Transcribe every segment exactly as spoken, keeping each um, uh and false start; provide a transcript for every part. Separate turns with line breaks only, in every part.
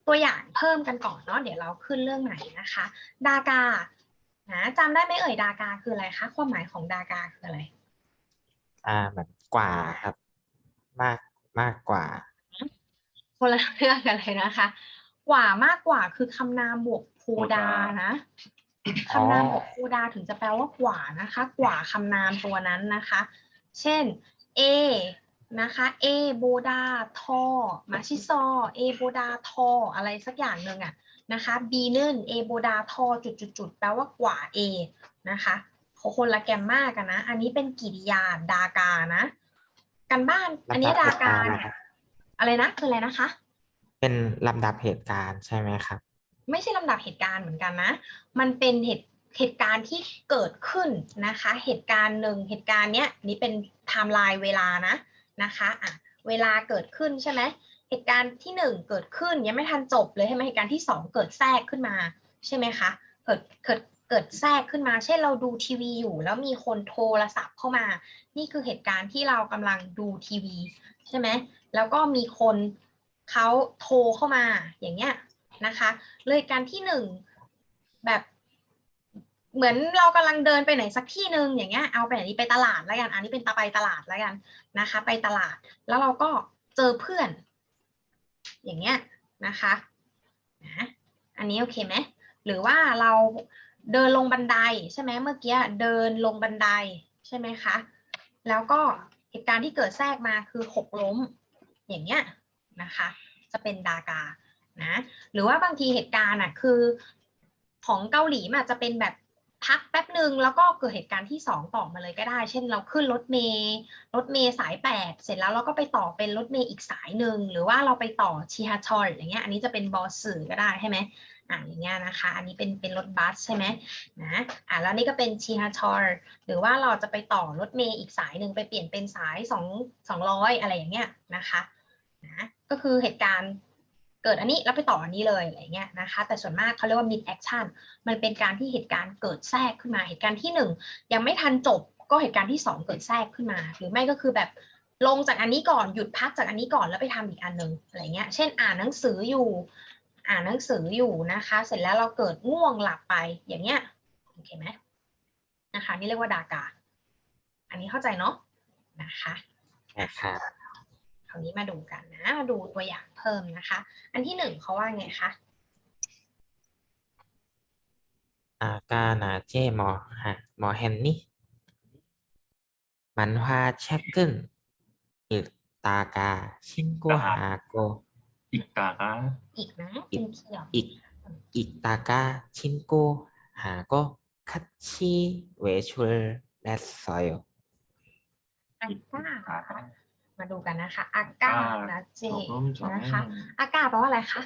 ตัวอย่างเพิ่มกันก่อนเนาะเดี๋ยวเราขึ้นเรื่องไหนนะคะดากานะจำได้ไหมเอ่ยดากาคืออะไรคะความหมายของดากาคืออะไร
อ่าเหมือนกว่าครับมากมากกว่า
คนละเรื่องกันเลยนะคะกว่ามากกว่าคือคำนามบวกโพดานะคำนามบวกโพดาถึงจะแปลว่ากว่านะคะกว่าคำนามตัวนั้นนะคะเช่น A นะคะ A โบดาทอมาชิซอ A โบดาทออะไรสักอย่างหนึ่งอะนะคะ B นึ่น A โบดาทอจุดจุดจุดแปลว่ากว่า A นะคะคนละแกมมากันนะอันนี้เป็นกริยาดากานะกันบ้านอันนี้
ลำดับเหตุ
ดากา
การณ์
เนี่ย
นะครับ
อะไรนะคืออะไรนะคะ
เป็นลำดับเหตุการณ์ใช่ไหมครับ
ไม่ใช่ลำดับเหตุการณ์เหมือนกันนะ มันเป็นเหตุเหตุการณ์ที่เกิดขึ้นนะคะ เหตุการณ์หนึ่งเหตุการณ์เนี้ยนี่เป็นไทม์ไลน์เวลานะนะคะอ่ะเวลาเกิดขึ้นใช่ไหมเหตุการณ์ที่หนึ่งเกิดขึ้นยังไม่ทันจบเลยใช่ไหมเหตุการณ์ที่สองเกิดแทรกขึ้นมาใช่ไหมคะเกิดเกิดเกิดแทรกขึ้นมาเช่นเราดูทีวีอยู่แล้วมีคนโทรศัพท์เข้ามานี่คือเหตุการณ์ที่เรากำลังดูทีวีใช่ไหมแล้วก็มีคนเขาโทรเข้ามาอย่างเงี้ยนะคะเลยการที่หนึ่งแบบเหมือนเรากำลังเดินไปไหนสักที่หนึ่งอย่างเงี้ยเอาไปไหนดีไปตลาดแล้วกันอันนี้เป็นตาไปตลาดแล้วกันนะคะไปตลาดแล้วเราก็เจอเพื่อนอย่างเงี้ยนะคะนะอันนี้โอเคไหมหรือว่าเราเดินลงบันไดใช่ไหมเมื่อกี้เดินลงบันไดใช่ไหมคะแล้วก็เหตุการณ์ที่เกิดแทรกมาคือหกล้มอย่างเงี้ยนะคะจะเป็นดากานะหรือว่าบางทีเหตุการณ์อ่ะคือของเกาหลีอาจจะเป็นแบบพักแป๊บหนึ่งแล้วก็เกิดเหตุการณ์ที่สองต่อมาเลยก็ได้เช่นเราขึ้นรถเมล์รถเมล์สายแปดเสร็จแล้วเราก็ไปต่อเป็นรถเมล์อีกสายหนึ่งหรือว่าเราไปต่อชิฮาชอลอย่างเงี้ยอันนี้จะเป็นบอสสื่อก็ได้ใช่ไหมอ่าอย่างเงี้ยนะคะอันนี้เป็นเป็นรถบัสใช่ไหมนะอ่าแล้วนี่ก็เป็นชิฮาชอลหรือว่าเราจะไปต่อรถเมล์อีกสายหนึ่งไปเปลี่ยนเป็นสายสองสองร้อยอะไรอย่างเงี้ยนะคะนะก็คือเหตุการณ์เกิดอันนี้แล้วไปต่ออันนี้เลยอะไรเงี้ยนะคะแต่ส่วนมากเขาเรียกว่า mid action มันเป็นการที่เหตุการณ์เกิดแทรกขึ้นมาเหตุการณ์ที่หนึ่งยังไม่ทันจบก็เหตุการณ์ที่สองเกิดแทรกขึ้นมาหรือไม่ก็คือแบบลงจากอันนี้ก่อนหยุดพักจากอันนี้ก่อนแล้วไปทำอีกอันหนึ่งอะไรเงี้ยเช่นอ่านหนังสืออยู่อ่านหนังสืออยู่นะคะเสร็จแล้วเราเกิดง่วงหลับไปอย่างเงี้ยโอเคไหมนะคะนี่เรียกว่าดากาอันนี้เข้าใจเนาะนะคะ
นะครับ
คราวนี้มาดูกันนะมาดูตัวอย่างเพิ่มนะคะอันที่หนึ่งเขาว่าไงคะ
อากานาเจมอฮะมอเฮนนี่มันว่าเช็คกึนอิตากาชินโกฮาโก
อีกกาก็
อีกนะ
อิ
เป็นเขียว
อิอิตากาชินโกฮาโกคัตชิเวชุลแลสซอย
อา
อีก
ก้าก
า
มาดูกันนะคะอาก้านะเจ
조금
นะคะ
전에
อาก้าแปลว่าอะไรคะ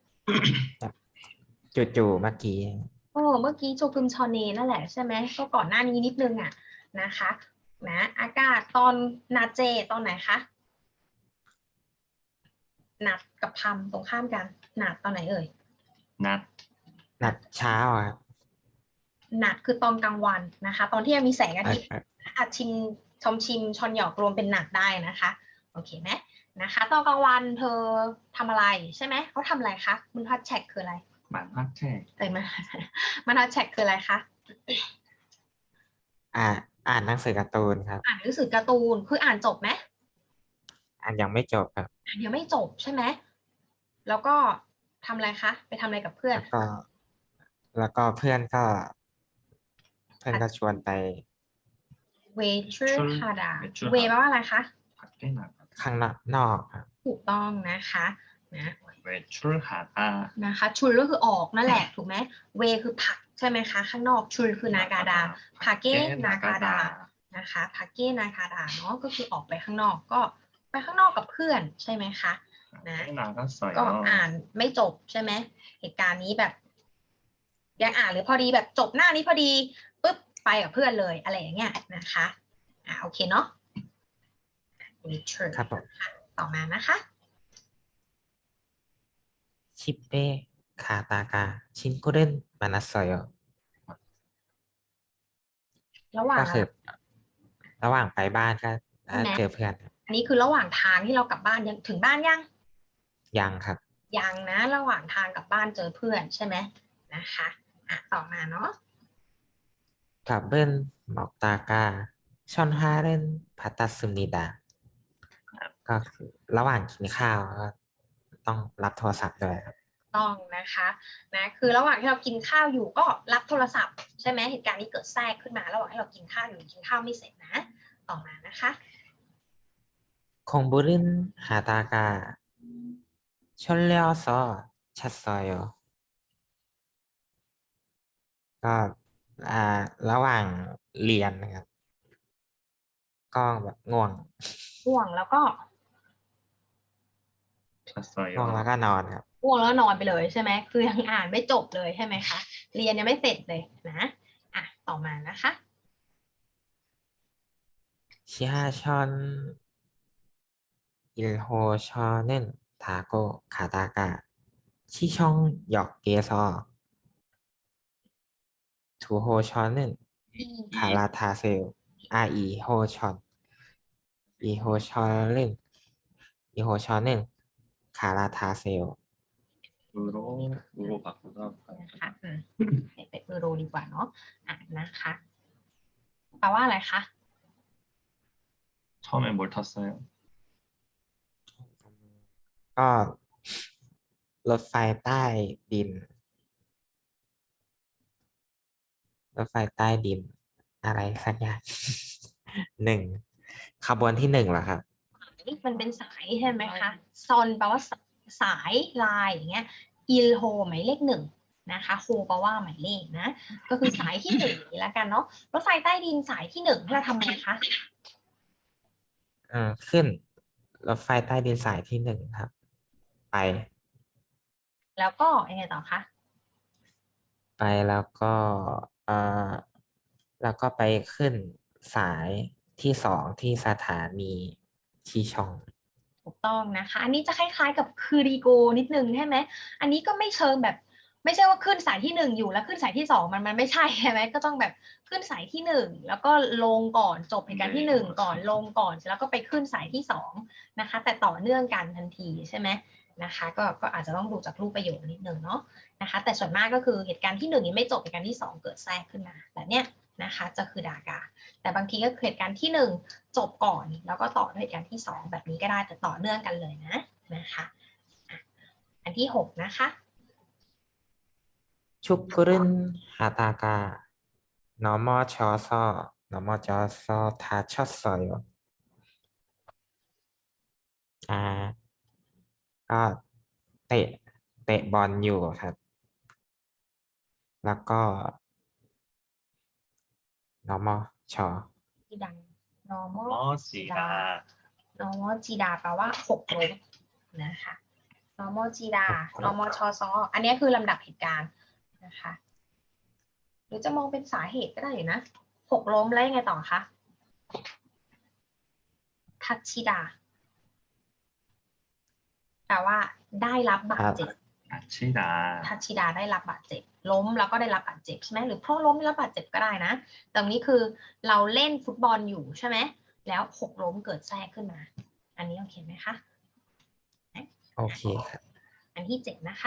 จู่ๆเมื่อกี้
โอ้เมื่อกี้โจพึมชอเนนั่นแหละใช่ไหมก็ก่อนหน้านี้นิดนึงอ่ะนะคะนะอากาตอนนาเจตอนไหนคะนัดกับพัมตรงข้ามกันนัดตอนไหนเอ่ย
낫
นัดเช้าอ่ะ
นัดคือตอนกลางวันนะคะตอนที่ยังมีแสงอา
เอ่
ทิตย์
อ
อาจชิมชมชิมชอนหยอกรวมเป็นหนักได้นะคะโอเคไหมนะคะตอนกลางวันเธอทำอะไรใช่ไหมเขาทำอะไรคะมันพัดแชกคืออะไร
만화책
เอ้ยมันมันพัดแชกคืออะไรคะ
อ่านอ่านหนังสือการ์ตูนครับ
อ่านหนังสือการ์ตูนคืออ่านจบไหม
อ่านยังไม่จบครับ
อ่านยังไม่จบใช่ไหมแล้วก็ทำอะไรคะไปทำอะไรกับเพื่อน
แล้วก็แล้วก็เพื่อนก็เพื่อนก็ชวนไป
เวชื่อฮาดา
외출
เวแปลว่าอะไรคะ
밖에 나가
ข้างนอกนอกครับ
ถูกต้องนะคะนะ
외출하다
นะคะชุนก็คือออกนั่นแหละถูกไหมเวคือผักใช่ไหมคะข้างนอกชุนคือนากาดาพาเก้นากาดานะคะพาเก้นากาดาเนาะก็คือออกไปข้างนอกก็ไปข้างนอกกับเพื่อนใช่ไหมคะนะ
밖에
ก็
나갔어요
อ่านไม่จบใช่ไหมเหตุการณ์นี้แบบยังอ่านหรือพอดีแบบจบหน้านี้พอดีปุ๊บไปกับเพื่อนเลยอะไรอย่างเงี้ยนะคะอ่าโอเคเนาะ
ครับผม
ต่อมานะคะ
ชิปเปคาตากาชินโกเรนมานัสโซโย
ระหว่าง
ก็คือระหว่างไปบ้านก็
ใช่ไหม
เจอเพื่อนครับ
อันนี้คือระหว่างทางที่เรากลับบ้านยังถึงบ้านยัง
ยังครับ
ยังนะระหว่างทางกลับบ้านเจอเพื่อนใช่ไหมนะคะอ่ะต่อมาเนาะ
밥은 먹다가 전화를 받았습니다. ก็คือระหว่างกินข้าวก็ต้องรับโทรศัพท์ด้วยครับ
ต้องนะคะนะคือระหว่างที่เรากินข้าวอยู่ก็รับโทรศัพท์ใช่ไหมเหตุการณ์นี้เกิดแทรกขึ้นมาระหว่างที่เรากินข้าวอยู่กินข้าวไม่เสร็จนะต่อมานะคะ
공부를 하다가 졸려서 잤어요. ก็อ่าระหว่างเรียนนะครับ ก็แบบง่วง
ง่วงแล้วก็
ง่วง
잤어요.
แล้วก็นอนครับ
ง่วงแล้วนอนไปเลยใช่ไหมคือยังอ่านไม่จบเลยใช่ไหมคะเรียนยังไม่เสร็จเลยนะอ่ะต่อมานะคะ
지하철 일 호선은 타고 가다가 시청역에서 이 호선은 갈아타세요. 아, 이 호선. 이 호선은 이 호선은 갈아타세요.
으로 으로 바꾸다
นะคะอืมเป็นเออโรดีกว่าเนาะอ่ะนะคะแปลว่าอะไรคะ
처음에 뭘 탔어요?
ก็รถไฟใต้ดิน รถไฟใต้ดิน อะไรสักอย่าง หนึ่งขบวนที่หนึ่งเหรอครับ
มันเป็นสายใช่ไหมคะซอนแปลว่าสายลายอย่างเงี้ยอิลโฮหมายเลขหนึ่งนะคะโฮแปลว่าหมายเลขนะก็คือสายที่หนึ่งนี่แล้วกันเนาะรถไฟใต้ดินสายที่หนึ่งเราทำไงคะ
เออขึ้นรถไฟใต้ดินสายที่หนึ่งครับ ไป
แล้วก็ยังไงต่อคะ
ไปแล้วก็เออแล้วก็ไปขึ้นสายที่สองที่สถานีชีชอง
ถูกต้องนะคะอันนี้จะคล้ายๆกับคือรีโกนิดนึงใช่ไหมอันนี้ก็ไม่เชิงแบบไม่ใช่ว่าขึ้นสายที่หนึ่งอยู่แล้วขึ้นสายที่สองมันมันไม่ใช่ใช่ไหมก็ต้องแบบขึ้นสายที่หนึ่งแล้วก็ลงก่อนจบเหตุการณ์ที่หนึ่งก่อนลงก่อนแล้วก็ไปขึ้นสายที่สองนะคะแต่ต่อเนื่องกันทันทีใช่ไหมนะคะก็ก็อาจจะต้องดูจากรูปประโยคนิดนึงเนาะนะคะแต่ส่วนมากก็คือเหตุการณ์ที่หนึ่งยังไม่จบเหตุการณ์ที่สองเกิดแทรกขึ้นมาแบบเนี้ยนะคะจะคือดากาแต่บางทีก็เหตุการณ์ที่หนึ่งจบก่อนแล้วก็ต่อด้วยเหตุการณ์ที่สองแบบนี้ก็ได้แต่ต่อเนื่องกันเลยนะนะคะอันที่หกนะคะ
축구를 하다가 넘어져서 넘어져서 다쳤어요. 아, ก็เตะเตะบอลอยู่ครับ แล้วก็ normal ชอ
ที่ดัง normal
머지다
normal จีดาแปลว่าหกล้มนะคะ normal จีดา normal ชอซออันนี้คือลำดับเหตุการณ์นะคะหรือจะมองเป็นสาเหตุก็ได้อยู่นะหกล้มแล้วยังไงต่อคะทัชชิดาแปลว่าได้รับบาดเจ็บ
다치다
ทัชชิดาได้รับบาดเจ็บล้มแล้วก็ได้รับบาดเจ็บใช่ไหมหรือเพราะล้มได้รับบาดเจ็บก็ได้นะแต่นี้คือเราเล่นฟุตบอลอยู่ใช่ไหมแล้วหกล้มเกิดแทรกขึ้นมา อันนี้โอเคไหมคะ
โอเคครับ
อันที่เจ็ดนะคะ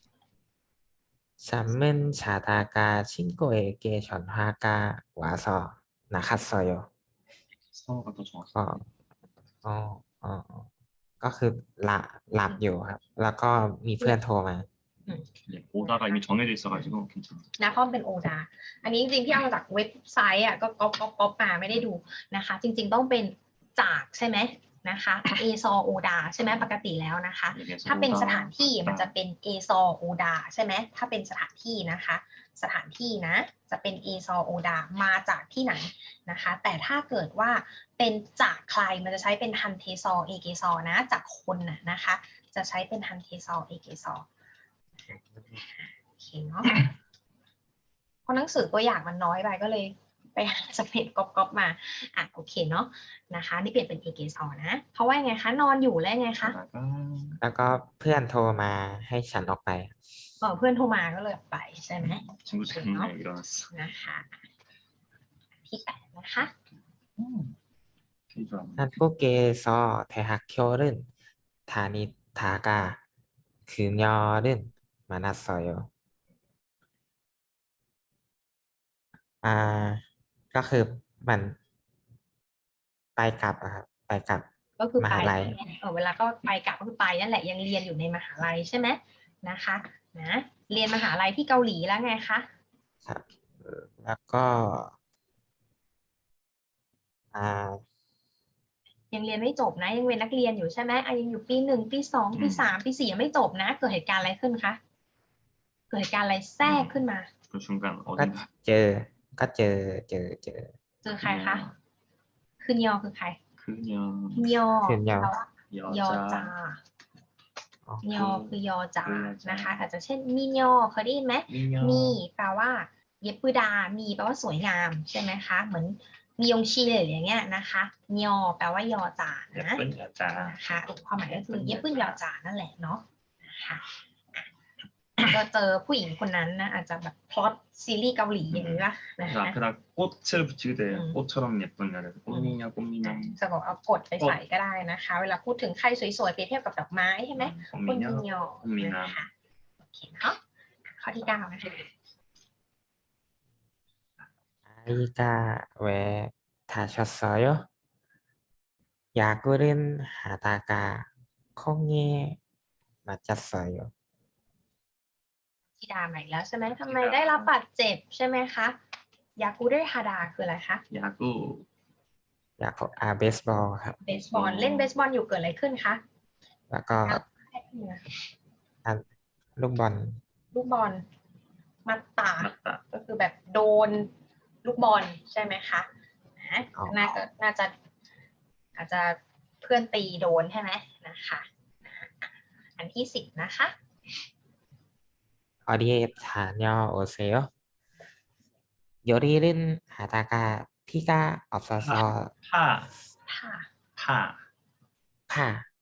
잠은 자다가 친구에게 전화가 와서 나갔어요.
서가 더 정확해
ก็อ๋ออ๋ออ๋อก็คือหลับหลับอยู่ครับ แล้วก็มีเพื่อนโทรมา
네, 오다가 이미 정해져 있어가지고 괜찮아
นะเพราะมันเป็นโอดา อันนี้จริงๆที่เอามาจากเว็บไซต์อ่ะก็ก๊อปก๊อปก๊อปมาไม่ได้ดูนะคะ จริงๆต้องเป็นจากใช่ไหมนะคะเอซอโอดาใช่ไหมปกติแล้วนะคะ
여기에서
ถ้าเป็นส
오다,
ถานที่มันจะ
오다.
เป็นเอซอโอดาใช่ไหมถ้าเป็นสถานที่นะคะ สถานที่นะจะเป็นเอซอโอดามาจากที่ไหนนะคะ แต่ถ้าเกิดว่าเป็นจากใครมันจะใช้เป็นฮันเทซอเอเกซอนะจากคนน่ะนะคะ จะใช้เป็นฮันเทซอเอเกซอโอเคเนาะเพราะหนังสือตัวอย่างมันน้อยไปก็เลยไปหาสเปดก๊อปๆมาอ่ะโอเคเนาะนะคะนี่เปลี่ยนเป็นเอเกซอนะเพราะว่าไงคะนอนอยู่แล้วไงคะ
오다가
แล้วก็เพื่อนโทรมาให้ฉันออกไป
เออเพื่อนโทรมาก็เลยออกไปใช่ไหม
친구 때문에 일어났어
นะคะที่แปดนะคะ
음, 필요한
한국에서 대학교를 다니다가 그녀는 많았어요. อ่า ก็คือมันไปกลับอะครับไปกลับ
ก็คือ
ม
ไป
หาลัย
เออเวลาก็ไปกลับก็คือไปนั่นแหละยังเรียนอยู่ในมหาลัยใช่ไหมนะคะนะเรียนมหาลัยที่เกาหลีแล้วไงคะ
ครับเอ่อแล้วก็ อ่า
ยังเรียนไม่จบนะยังเป็นนักเรียนอยู่ใช่ไหมอ่ะยังอยู่ปีหนึ่งปีสองปีสามปีสี่ยังไม่จบนะเกิดเหตุการณ์อะไรขึ้นคะเกิดเหตุการณ์อะไรแทรกขึ้นมา
그 순간
ก็
어딘가
เจอ ก็เจอ เจอ เจอ
เจอใครคะคือยอคือใคร
그녀
ยอ
คือยอ
แปลว่ายอจา
อ๋อ
ยอคือยอจา
คือยอจาน
นะคะ อาจจะเช่นมียอเคยได้ยินไหม
미녀
มีแปลว่าเย็บปืดา มีแปลว่าสวยงามใช่ไหมคะ เหมือนมียงชีเลยอย่างเงี้ยนะคะยอแปลว่ายอจานะ
예쁜 여자
นะคะความหมายก็คือเย็บปืนยอจานั่นแหละเนาะนะคะก็เจอผู้หญิงคนนั้นนะอาจจะแบบพล็อตซีรีส์เกาหลีอย่างนี้ป่ะนะ
그래서
คะ
앞에다 꽃을 붙이게 돼요.
음.
꽃처럼 예쁜 여자. 꽃미녀, 꽃미녀.
จะบอกเอากดไปใส่ก็ได้นะคะ เวลาพูดถึงใครสวยๆเปรียบเทียบกับดอกไม้ใช่ไหม
음,
คนมี
꽃미녀,
ยอ
꽃미남.
นะคะโอเคเนาะข้อที่เก้านะคะ
아이가 왜 다쳤어요? 야구를 하다가 콩에 맞았어요.
ธิดาใหม่แล้วใช่ไหมทำไมได้รับบาดเจ็บใช่ไหมคะยากูเดฮาดาคืออะไรคะ
야구,
อยากอ่าเบสบอลครับ
เบสบอลเล่นเบสบอลอยู่เกิดอะไรขึ้นคะ
แล้วก็ อ่าลูกบอล
ลูกบอลมัตตา
맞다.
ก็คือแบบโดนลูกบอลใช่ไหมคะนะ
อ๋อ
น่าจะน่าจะอาจจะเพื่อนตีโดนใช่ไหมนะคะอันที่สิบนะคะ
어디에 다녀오세요? 요리를 하다가 피가 없어서
파,
ค่ะ
파.
파.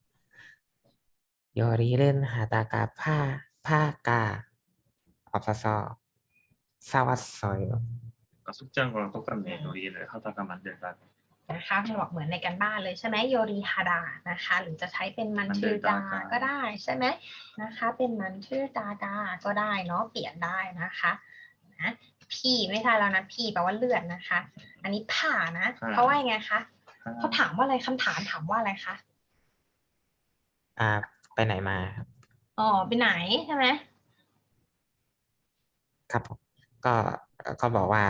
요리를 하다가 파, 파가 없어서 사왔어요.
아까 숙제한 거랑 똑같네. 요리를 하다가 만들다.
นะคะมันบอกเหมือนในกันบ้านเลยใช่ไหมโยรีฮาดานะคะ หรือจะใช้เป็นมันชื่อดาก็ได้ใช่ไหมนะคะ เป็นมันชื่อดาดาก็ได้เนาะเปลี่ยนได้นะคะนะพี่ไม่ใช่แล้วนะพี่แปลว่าเลือดนะคะ อันนี้ผ่านะเพราะว่าไงคะเขา
파.
ถามว่าอะไรคำถามถามว่าอะไรคะ
อ่า ไปไหนมาครับ
อ๋อไปไหนใช่ไหม
ครับผมก็ก็บอกว่า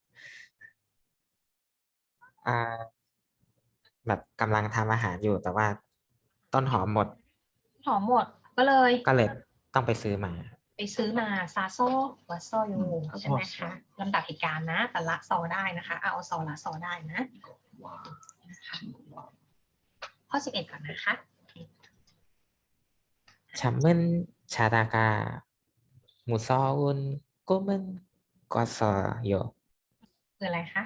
อ่า แบบกำลังทำอาหารอยู่แต่ว่าต้นหอมหมด
หอมหมดก็เลย
ก็เลยต้องไปซื้อมา
ไปซื้อมาซาโซวัสโซยู
อืม
ใช่ไหมคะลำดับเหตุการณ์นะ แต่ละซอได้นะคะ เอาซอละซอได้นะ
와,
นะคะ
친구, 와.
ข้อสิบเอ็ดก่อนนะคะ
잠은 자다가 무서운 꿈은 꿨어요.
คืออะไรคะ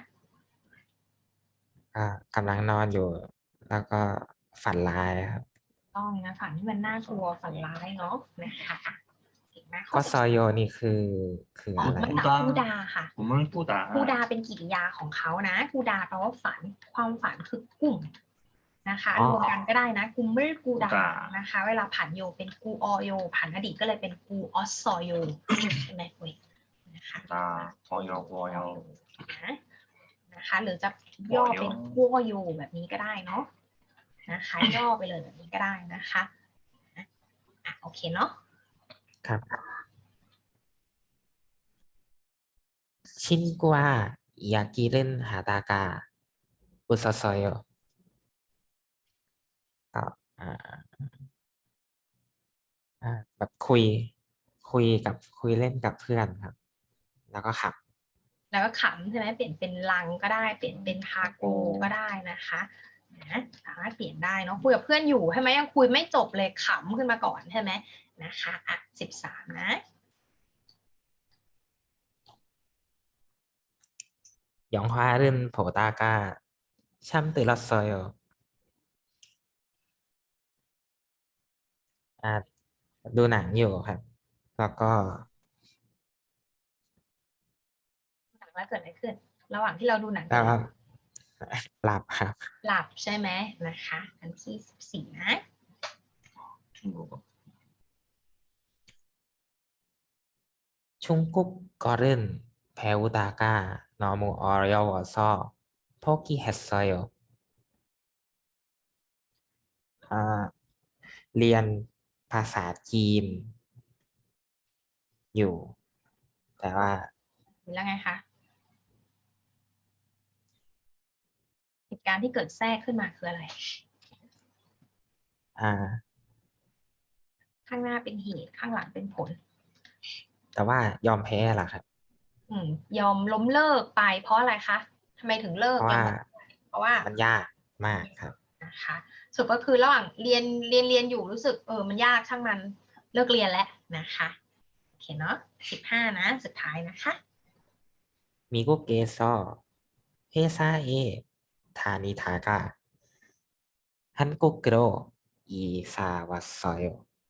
อ่ากำลังนอนอยู่ แล้วก็ฝันร้ายครับ
ต้องนะฝันที่มันน่ากลัวฝันร้ายเนาะนะคะเห็นไหมข้
ก็
อ
ซอยโยนี่คือคือ
อ๋อ
อะไร
มันดับกูดาค่ะ
꿈을 꾸다.
กูดาเป็นกริยาของเขานะกูดาแปลว่าฝันความฝันคือกลุ่มนะคะ
อ๋อ
รวมกันก็ได้นะกูไม่กูดา
กูดา
นะคะ เวลาผันโยเป็นกูออโยผันอดีตก็เลยเป็นกูออสซอโยใช่ไหมเว้ยนะคะ
나, 어여, 어여.
นะนะคะ หรือจะย่อเป็นกูอโยแบบนี้ก็ได้เนาะนะคะ ย่อไปเลยแบบนี้ก็ได้นะคะอ่ะโอเคเนาะ
ครับ 친구와 이야기를 하다가 웃었어요. ก็อ่าอ่าแบบคุย คุยกับคุยเล่นกับเพื่อนครับ แล้วก็ขับ
แล้วก็ขำใช่ไหมเปลี่ยนเป็นลังก็ได้เปลี่ยนเป็นฮาโกก็ได้นะคะนะสามารถเปลี่ยนได้เนาะคุยกับเพื่อนอยู่ใช่ไหมยังคุยไม่จบเลยขำขึ้นมาก่อนใช่ไหมนะคะอ่ะสิบสามนะ
영화를 보다가 잠들었어요. อ่าดูหนังอยู่ครับ แล้วก็
หนังแล้วเกิดอะไรขึ้น ระหว่างที่เราดูหนัง
แล้วก็หลับครับ
หลับใช่ไหมนะคะอันที่สิบสี่นะ
중국어.
중국 거는 배우다가 너무 어려워서 포기했어요. 아, เรียนภาษาจีนอยู่ แต่ว่า
แล้วไงคะเหตุการณ์ที่เกิดแทรกขึ้นมาคืออะไร
อ่า
ข้างหน้าเป็นเหตุข้างหลังเป็นผล
แต่ว่ายอมแพ้ล่ะครับ
อืมยอมล้มเลิกไปเพราะอะไรคะทำไมถึงเลิก
เพราะ
ยอ
ว่าม
เพราะว่า
มันยากมากครับ
นะคะสุดก็คือระหว่างเรียนเรียนเรียนอยู่รู้สึกเออมันยากช่างมันเลิกเรียนแล้วนะคะโอเคเนาะสิบห้านะสุดท้ายนะคะ
미국에서 회사에 다니다가 한국으로 이사 왔어요.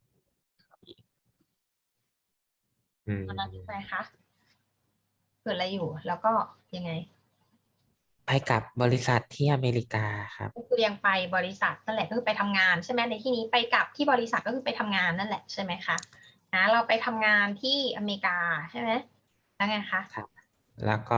อืม
ตอนนั้นเป็นไงคะเกิดอะไรอยู่แล้วก็ยังไง
ไปกับบริษัทที่อเมริกาครับ
ก็คือยังไปบริษัทนั่นแหละก็คือไปทำงานใช่ไหมในที่นี้ไปกับที่บริษัทก็คือไปทำงานนั่นแหละใช่ไหมคะนะเราไปทำงานที่อเมริกาใช่ไหมแล้วไงคะ
ครับ แล้วก็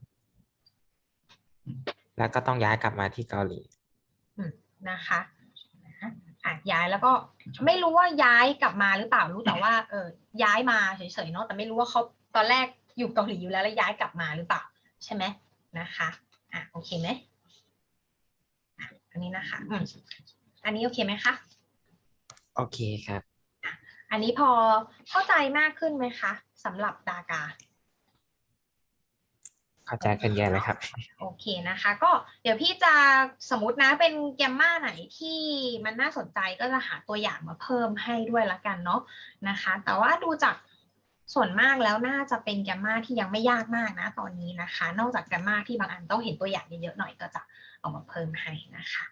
แล้วก็ต้องย้ายกลับมาที่เกาหลี
อืมนะคะอ่ะย้ายแล้วก็ไม่รู้ว่าย้ายกลับมาหรือเปล่ารู้แต่ว่าเออย้ายมาเฉยๆเนาะแต่ไม่รู้ว่าเขาตอนแรกอยู่เกาหลีอยู่แล้วแล้วย้ายกลับมาหรือเปล่าใช่ไหมนะคะอ่ะโอเคไหมอ่ะอันนี้นะคะอืมอันนี้โอเคไหมคะ
โอเคครับ
อันนี้พอเข้าใจมากขึ้นไหมคะสำหรับดากา
เข้าใจขึ้นเยอะเลยครับ
โอเคนะคะ ก็เดี๋ยวพี่จะสมมตินะเป็นแกมมาไหนที่มันน่าสนใจก็จะหาตัวอย่างมาเพิ่มให้ด้วยละกันเนาะนะคะ แต่ว่าดูจากส่วนมากแล้วน่าจะเป็นแกมมาที่ยังไม่ยากมากนะตอนนี้นะคะ นอกจากแกมมาที่บางอันต้องเห็นตัวอย่างเยอะๆหน่อยก็จะเอามาเพิ่มให้นะคะ